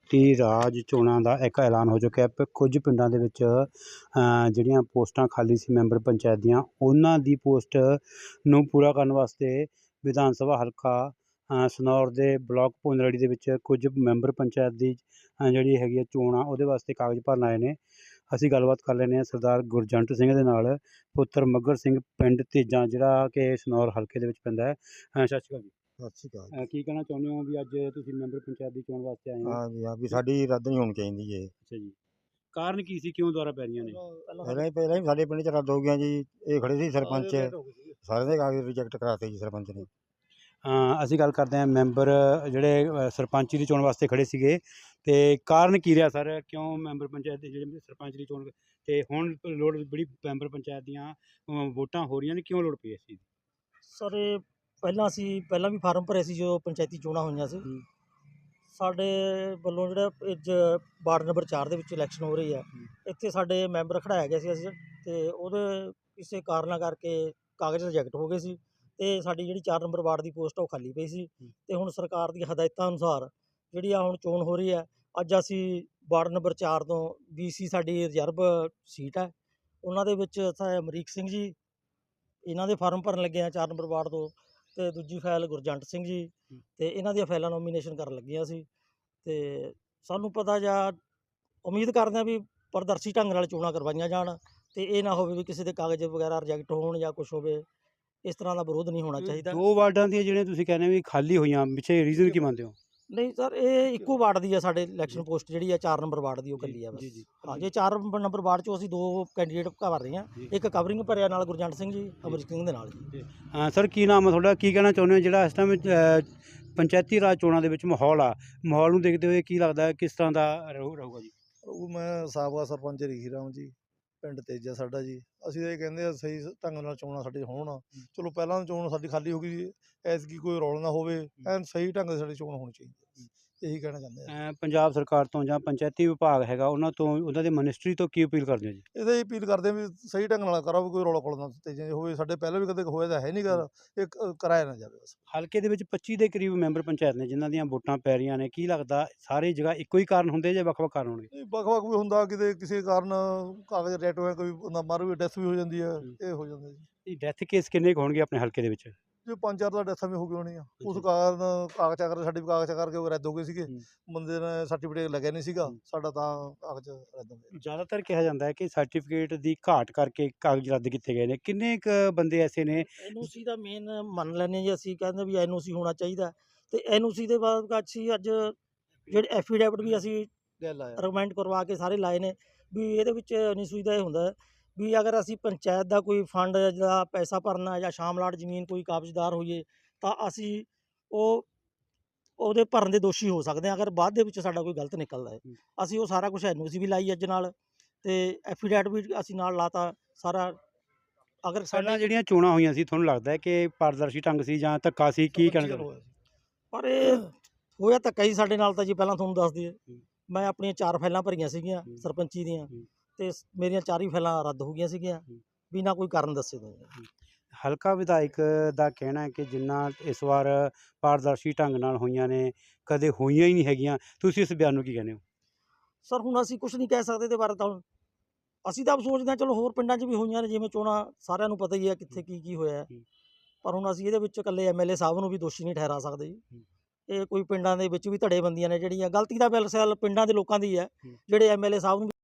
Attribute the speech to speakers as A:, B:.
A: ਪੰਚਾਇਤੀ ਰਾਜ ਚੋਣਾਂ ਦਾ ਇੱਕ ਐਲਾਨ ਹੋ ਚੁੱਕਿਆ ਹੈ। ਕੁਝ ਪਿੰਡਾਂ ਦੇ ਵਿੱਚ ਜਿਹੜੀਆਂ ਪੋਸਟਾਂ ਖਾਲੀ ਸੀ ਮੈਂਬਰ ਪੰਚਾਇਤ ਦੀਆਂ, ਉਹਨਾਂ ਦੀ ਪੋਸਟ ਨੂੰ ਪੂਰਾ ਕਰਨ ਵਾਸਤੇ ਵਿਧਾਨ ਸਭਾ ਹਲਕਾ ਸਨੌਰ ਦੇ ਬਲਾਕ ਭੁੰਨਰੜੀ ਦੇ ਵਿੱਚ ਕੁਝ ਮੈਂਬਰ ਪੰਚਾਇਤ ਦੀ ਜਿਹੜੀ ਹੈਗੀ ਹੈ ਚੋਣ ਆ, ਉਹਦੇ ਵਾਸਤੇ ਕਾਗਜ਼ ਭਰਨ ਆਏ ਨੇ। ਅਸੀਂ ਗੱਲਬਾਤ ਕਰ ਲੈਂਦੇ ਹਾਂ ਸਰਦਾਰ ਗੁਰਜੰਟ ਸਿੰਘ ਦੇ ਨਾਲ, ਪੁੱਤਰ ਮੱਘਰ ਸਿੰਘ, ਪਿੰਡ ਤੇਜਾਂ, ਜਿਹੜਾ ਕਿ ਸਨੌਰ ਹਲਕੇ ਦੇ ਵਿੱਚ ਪੈਂਦਾ ਹੈ। ਸਤਿ ਸ਼੍ਰੀ ਅਕਾਲ ਜੀ।
B: ਸਤਿ ਸ਼੍ਰੀ ਅਕਾਲ।
A: ਕੀ ਕਹਿਣਾ ਚਾਹੁੰਦੇ ਹੋ ਵੀ ਅੱਜ ਤੁਸੀਂ ਮੈਂਬਰ ਪੰਚਾਇਤ ਦੀ ਚੋਣ ਵਾਸਤੇ ਆਏ ਹੋ?
B: ਹਾਂ ਜੀ, ਹਾਂ ਵੀ ਸਾਡੀ ਰੱਦ ਨਹੀਂ ਹੋਣੀ ਚਾਹੀਦੀ ਜੀ।
A: ਅੱਛਾ ਜੀ, ਕਾਰਨ ਕੀ ਸੀ, ਕਿਉਂ ਦੁਆਰਾ ਪੈ ਰਹੀਆਂ ਨੇ?
B: ਪਹਿਲਾਂ ਹੀ ਸਾਡੇ ਪਿੰਡ 'ਚ ਰੱਦ ਹੋ ਗਈਆਂ ਜੀ। ਇਹ ਖੜੇ ਸੀ ਸਰਪੰਚ, ਸਾਰਿਆਂ ਦੇ ਕਾਗਜ਼ ਰਿਜੈਕਟ ਕਰਾਤੇ ਜੀ ਸਰਪੰਚ ਨੇ।
A: ਅਸੀਂ ਗੱਲ ਕਰਦੇ ਹਾਂ ਮੈਂਬਰ ਜਿਹੜੇ ਸਰਪੰਚੀ ਦੀ ਚੋਣ ਵਾਸਤੇ ਖੜੇ ਸੀਗੇ, ਅਤੇ ਕਾਰਨ ਕੀ ਰਿਹਾ ਸਰ? ਕਿਉਂ ਮੈਂਬਰ ਪੰਚਾਇਤ ਦੇ ਜਿਹੜੇ ਸਰਪੰਚ ਦੀ ਚੋਣ, ਅਤੇ ਹੁਣ ਲੋੜ ਬੜੀ ਮੈਂਬਰ ਪੰਚਾਇਤ ਦੀਆਂ ਵੋਟਾਂ ਹੋ ਰਹੀਆਂ ਨੇ, ਕਿਉਂ ਲੋੜ ਪਈ ਇਸ ਚੀਜ਼ ਦੀ?
C: ਸਰ ਇਹ ਪਹਿਲਾਂ ਵੀ ਫਾਰਮ ਭਰੇ ਸੀ ਜਦੋਂ ਪੰਚਾਇਤੀ ਚੋਣਾਂ ਹੋਈਆਂ ਸੀ। ਸਾਡੇ ਵੱਲੋਂ ਜਿਹੜਾ ਵਾਰਡ ਨੰਬਰ 4 ਦੇ ਵਿੱਚ ਇਲੈਕਸ਼ਨ ਹੋ ਰਹੀ ਹੈ, ਇੱਥੇ ਸਾਡੇ ਮੈਂਬਰ ਖੜਾਇਆ ਗਿਆ ਸੀ ਅਸੀਂ, ਅਤੇ ਉਹਦੇ ਕਿਸੇ ਕਾਰਨਾਂ ਕਰਕੇ ਕਾਗਜ਼ ਰਿਜੈਕਟ ਹੋ ਗਏ ਸੀ, ਅਤੇ ਸਾਡੀ ਜਿਹੜੀ 4 ਨੰਬਰ ਵਾਰਡ ਦੀ ਪੋਸਟ ਉਹ ਖਾਲੀ ਪਈ ਸੀ। ਅਤੇ ਹੁਣ ਸਰਕਾਰ ਦੀ ਹਦਾਇਤਾਂ ਅਨੁਸਾਰ ਜਿਹੜੀ ਆ ਹੁਣ ਚੋਣ ਹੋ ਰਹੀ ਹੈ, ਅੱਜ ਅਸੀਂ ਵਾਰਡ ਨੰਬਰ 4 ਤੋਂ BC ਸਾਡੀ ਰਿਜ਼ਰਵ ਸੀਟ ਹੈ, ਉਹਨਾਂ ਦੇ ਵਿੱਚ ਅਮਰੀਕ ਸਿੰਘ ਜੀ, ਇਹਨਾਂ ਦੇ ਫਾਰਮ ਭਰਨ ਲੱਗੇ ਆ 4 ਨੰਬਰ ਵਾਰਡ ਤੋਂ, ਅਤੇ ਦੂਜੀ ਫਾਈਲ ਗੁਰਜੰਟ ਸਿੰਘ ਜੀ, ਅਤੇ ਇਹਨਾਂ ਦੀਆਂ ਫਾਈਲਾਂ ਨੋਮੀਨੇਸ਼ਨ ਕਰਨ ਲੱਗੀਆਂ ਸੀ। ਅਤੇ ਸਾਨੂੰ ਪਤਾ ਜਾਂ ਉਮੀਦ ਕਰਦੇ ਹਾਂ ਵੀ ਪਾਰਦਰਸ਼ੀ ਢੰਗ ਨਾਲ ਚੋਣਾਂ ਕਰਵਾਈਆਂ ਜਾਣ, ਅਤੇ ਇਹ ਨਾ ਹੋਵੇ ਵੀ ਕਿਸੇ ਦੇ ਕਾਗਜ਼ ਵਗੈਰਾ ਰਿਜੈਕਟ ਹੋਣ ਜਾਂ ਕੁਛ ਹੋਵੇ, ਇਸ ਤਰ੍ਹਾਂ ਦਾ ਵਿਰੋਧ ਨਹੀਂ ਹੋਣਾ ਚਾਹੀਦਾ।
A: 2 ਵਾਰਡਾਂ ਦੀਆਂ ਜਿਹੜੀਆਂ ਤੁਸੀਂ ਕਹਿੰਦੇ ਵੀ ਖਾਲੀ ਹੋਈਆਂ, ਪਿੱਛੇ ਰੀਜ਼ਨ ਕੀ ਮੰਨਦੇ ਹੋ?
C: ਨਹੀਂ ਸਰ, ਇਹ ਇੱਕੋ ਵਾਰਡ ਦੀ ਆ ਸਾਡੇ ਇਲੈਕਸ਼ਨ ਪੋਸਟ ਜਿਹੜੀ ਆ 4 ਨੰਬਰ ਵਾਰਡ ਦੀ, ਉਹ ਇਕੱਲੀ ਆ ਬਸ। ਹਾਂ, ਜੇ 4 ਨੰਬਰ ਵਾਰਡ 'ਚੋਂ ਅਸੀਂ 2 ਕੈਂਡੀਡੇਟ ਭਰ ਰਹੇ ਹਾਂ, ਇੱਕ ਕਵਰਿੰਗ ਭਰਿਆ ਨਾਲ ਗੁਰਜੰਟ ਸਿੰਘ ਜੀ, ਅਮਰੀਕ ਸਿੰਘ ਦੇ ਨਾਲ ਜੀ।
A: ਸਰ ਕੀ ਨਾਮ ਹੈ ਤੁਹਾਡਾ? ਕੀ ਕਹਿਣਾ ਚਾਹੁੰਦੇ ਹੋ ਜਿਹੜਾ ਇਸ ਟਾਈਮ ਪੰਚਾਇਤੀ ਰਾਜ ਚੋਣਾਂ ਦੇ ਵਿੱਚ ਮਾਹੌਲ ਨੂੰ ਦੇਖਦੇ ਹੋਏ ਕੀ ਲੱਗਦਾ ਕਿਸ ਤਰ੍ਹਾਂ ਦਾ ਰਹੂਗਾ ਜੀ?
D: ਉਹ ਮੈਂ ਸਾਬਕਾ ਸਰਪੰਚ ਰਿਖੀ ਰਾਮ ਜੀ, ਪਿੰਡ ਤੇਜਾ ਸਾਡਾ ਜੀ। ਅਸੀਂ ਤਾਂ ਇਹ ਕਹਿੰਦੇ ਆ ਸਹੀ ਢੰਗ ਨਾਲ ਚੋਣਾਂ ਸਾਡੇ ਹੋਣ। ਚਲੋ ਪਹਿਲਾਂ ਚੋਣ ਸਾਡੀ ਖਾਲੀ ਹੋ ਗਈ, ਐਤਕੀ ਕੋਈ ਰੌਲਾ ਨਾ ਹੋਵੇ, ਐਨ ਸਹੀ ਢੰਗ ਨਾਲ ਸਾਡੀ ਚੋਣ ਹੋਣੀ ਚਾਹੀਦੀ, ਇਹੀ ਕਹਿਣਾ ਚਾਹੁੰਦੇ ਆ।
A: ਪੰਜਾਬ ਸਰਕਾਰ ਤੋਂ ਜਾਂ ਪੰਚਾਇਤੀ ਵਿਭਾਗ ਹੈਗਾ ਉਹਨਾਂ ਤੋਂ, ਉਹਨਾਂ ਦੇ ਮਿਨਿਸਟਰੀ ਤੋਂ ਕੀ ਅਪੀਲ ਕਰਦੇ ਹੋ ਜੀ?
D: ਇਹਦਾ ਹੀ ਅਪੀਲ ਕਰਦੇ ਵੀ ਸਹੀ ਢੰਗ ਨਾਲ ਕਰੋ, ਕੋਈ ਰੌਲਾ ਖੋਲ੍ਹ ਨਾ ਤੇਜਾ ਹੋਵੇ। ਸਾਡੇ ਪਹਿਲਾਂ ਵੀ ਕਦੇ ਹੋਇਆ ਤਾਂ ਹੈ ਨਹੀਂ ਗਾ, ਇਹ ਕਰਾਇਆ ਨਾ ਜਾਵੇ ਬਸ।
A: ਹਲਕੇ ਦੇ ਵਿੱਚ 25 ਦੇ ਕਰੀਬ ਮੈਂਬਰ ਪੰਚਾਇਤ ਨੇ ਜਿਨ੍ਹਾਂ ਦੀਆਂ ਵੋਟਾਂ ਪੈ ਰਹੀਆਂ ਨੇ, ਕੀ ਲੱਗਦਾ ਸਾਰੀ ਜਗ੍ਹਾ ਇੱਕੋ ਹੀ ਕਾਰਨ ਹੁੰਦੇ ਜਾਂ ਵੱਖ-ਵੱਖ ਕਾਰਨ ਹੋਣਗੇ?
D: ਵੱਖ-ਵੱਖ ਵੀ ਹੁੰਦਾ, ਕਿਤੇ ਕਿਸੇ ਕਾਰਨ ਕਾਗਜ਼ ਰਿਜੈਕਟ ਹੋਇਆ, ਕੋਈ ਬੰਦਾ ਮਰ ਵੀ, ਡੈਥ ਵੀ ਹੋ ਜਾਂਦੀ ਹੈ, ਇਹ ਹੋ ਜਾਂਦਾ ਜੀ।
A: ਡੈਥ ਕੇਸ ਕਿੰਨੇ ਕੁ ਹੋਣਗੇ ਆਪਣੇ ਹਲਕੇ ਦੇ ਵਿੱਚ?
D: ਜੇ 5-4 ਦਾ ਡੈਥਾਂ ਵੀ ਹੋ ਗਈ ਹੋਣੀ ਆ, ਉਸ ਕਾਰਨ ਕਾਗਜ਼ਾਂ ਕਰਕੇ ਸਾਡੇ ਵੀ ਕਾਗਜ਼ਾਂ ਕਰਕੇ ਉਹ ਰੱਦ ਹੋ ਗਏ ਸੀਗੇ। ਬੰਦੇ ਨੇ ਸਰਟੀਫਿਕੇਟ ਲੱਗਿਆ ਨਹੀਂ ਸੀਗਾ ਸਾਡਾ, ਤਾਂ ਕਾਗਜ਼ ਰੱਦ ਹੋ ਗਏ।
A: ਜ਼ਿਆਦਾਤਰ ਕਿਹਾ ਜਾਂਦਾ ਹੈ ਕਿ ਸਰਟੀਫਿਕੇਟ ਦੀ ਘਾਟ ਕਰਕੇ ਕਾਗਜ਼ ਰੱਦ ਕੀਤੇ ਗਏ ਨੇ। ਕਿੰਨੇ ਕੁ ਬੰਦੇ ਐਸੇ ਨੇ?
C: NOC ਦਾ ਮੇਨ ਮੰਨ ਲੈਂਦੇ ਜੀ ਅਸੀਂ, ਕਹਿੰਦੇ ਵੀ NOC ਹੋਣਾ ਚਾਹੀਦਾ, ਅਤੇ NOC ਦੇ ਬਾਅਦ ਅਸੀਂ ਅੱਜ ਜਿਹੜੇ ਐਫੀਡੈਵਿਟ ਵੀ ਅਸੀਂ ਰਿਕਮੈਂਡ ਕਰਵਾ ਕੇ ਸਾਰੇ ਲਾਏ ਨੇ, ਵੀ ਇਹਦੇ ਵਿੱਚ NOC ਦਾ ਇਹ ਹੁੰਦਾ ਵੀ ਅਗਰ ਅਸੀਂ ਪੰਚਾਇਤ ਦਾ ਕੋਈ ਫੰਡ ਜਾਂ ਪੈਸਾ ਭਰਨਾ ਜਾਂ ਸ਼ਾਮਲਾਟ ਜ਼ਮੀਨ ਕੋਈ ਕਾਬਜ਼ਦਾਰ ਹੋਈਏ, ਤਾਂ ਅਸੀਂ ਉਹਦੇ ਭਰਨ ਦੇ ਦੋਸ਼ੀ ਹੋ ਸਕਦੇ ਹਾਂ, ਅਗਰ ਬਾਅਦ ਦੇ ਵਿੱਚ ਸਾਡਾ ਕੋਈ ਗਲਤ ਨਿਕਲਦਾ ਹੈ। ਅਸੀਂ ਉਹ ਸਾਰਾ ਕੁਛ NOC ਵੀ ਲਾਈ ਅੱਜ ਨਾਲ, ਅਤੇ ਐਫੀਡੈਵਿਟ ਵੀ ਅਸੀਂ ਨਾਲ ਲਾਤਾ ਸਾਰਾ। ਅਗਰ
A: ਪਹਿਲਾਂ ਜਿਹੜੀਆਂ ਚੋਣਾਂ ਹੋਈਆਂ ਸੀ, ਤੁਹਾਨੂੰ ਲੱਗਦਾ ਹੈ ਕਿ ਪਾਰਦਰਸ਼ੀ ਢੰਗ ਸੀ ਜਾਂ ਧੱਕਾ ਸੀ? ਕੀ ਕਹਿਣਾ ਚਾਹੁੰਦੇ?
C: ਪਰ ਇਹ ਹੋਇਆ ਧੱਕਾ ਹੀ ਸਾਡੇ ਨਾਲ ਤਾਂ ਜੀ। ਪਹਿਲਾਂ ਤੁਹਾਨੂੰ ਦੱਸ ਦਈਏ, ਮੈਂ ਆਪਣੀਆਂ 4 ਫਾਈਲਾਂ ਭਰੀਆਂ ਸੀਗੀਆਂ ਸਰਪੰਚੀ ਦੀਆਂ, ਅਤੇ ਮੇਰੀਆਂ 4 ਹੀ ਫਾਈਲਾਂ ਰੱਦ ਹੋ ਗਈਆਂ ਸੀਗੀਆਂ ਬਿਨਾਂ ਕੋਈ ਕਾਰਨ ਦੱਸੇ ਤੋਂ।
A: ਹਲਕਾ ਵਿਧਾਇਕ ਦਾ ਕਹਿਣਾ ਹੈ ਕਿ ਜਿੰਨਾ ਇਸ ਵਾਰ ਪਾਰਦਰਸ਼ੀ ਢੰਗ ਨਾਲ ਹੋਈਆਂ ਨੇ, ਕਦੇ ਹੋਈਆਂ ਹੀ ਨਹੀਂ ਹੈਗੀਆਂ। ਤੁਸੀਂ ਇਸ ਬਿਆਨ ਨੂੰ ਕੀ ਕਹਿੰਦੇ ਹੋ?
C: ਸਰ ਹੁਣ ਅਸੀਂ ਕੁਛ ਨਹੀਂ ਕਹਿ ਸਕਦੇ ਇਹਦੇ ਬਾਰੇ, ਤਾਂ ਅਸੀਂ ਤਾਂ ਸੋਚਦੇ ਹਾਂ ਚਲੋ ਹੋਰ ਪਿੰਡਾਂ 'ਚ ਵੀ ਹੋਈਆਂ ਨੇ ਜਿਵੇਂ ਚੋਣਾਂ, ਸਾਰਿਆਂ ਨੂੰ ਪਤਾ ਹੀ ਹੈ ਕਿੱਥੇ ਕੀ ਹੋਇਆ, ਪਰ ਹੁਣ ਅਸੀਂ ਇਹਦੇ ਵਿੱਚ ਇਕੱਲੇ MLA ਸਾਹਿਬ ਨੂੰ ਵੀ ਦੋਸ਼ੀ ਨਹੀਂ ਠਹਿਰਾ ਸਕਦੇ ਜੀ। ਇਹ ਕੋਈ ਪਿੰਡਾਂ ਦੇ ਵਿੱਚ ਵੀ ਧੜੇਬੰਦੀਆਂ ਨੇ ਜਿਹੜੀਆਂ, ਗਲਤੀ ਦਾ ਬਿਲਕੁਲ ਪਿੰਡਾਂ ਦੇ ਲੋਕਾਂ ਦੀ ਹੈ, ਜਿਹੜੇ MLA ਸਾਹਿਬ ਨੂੰ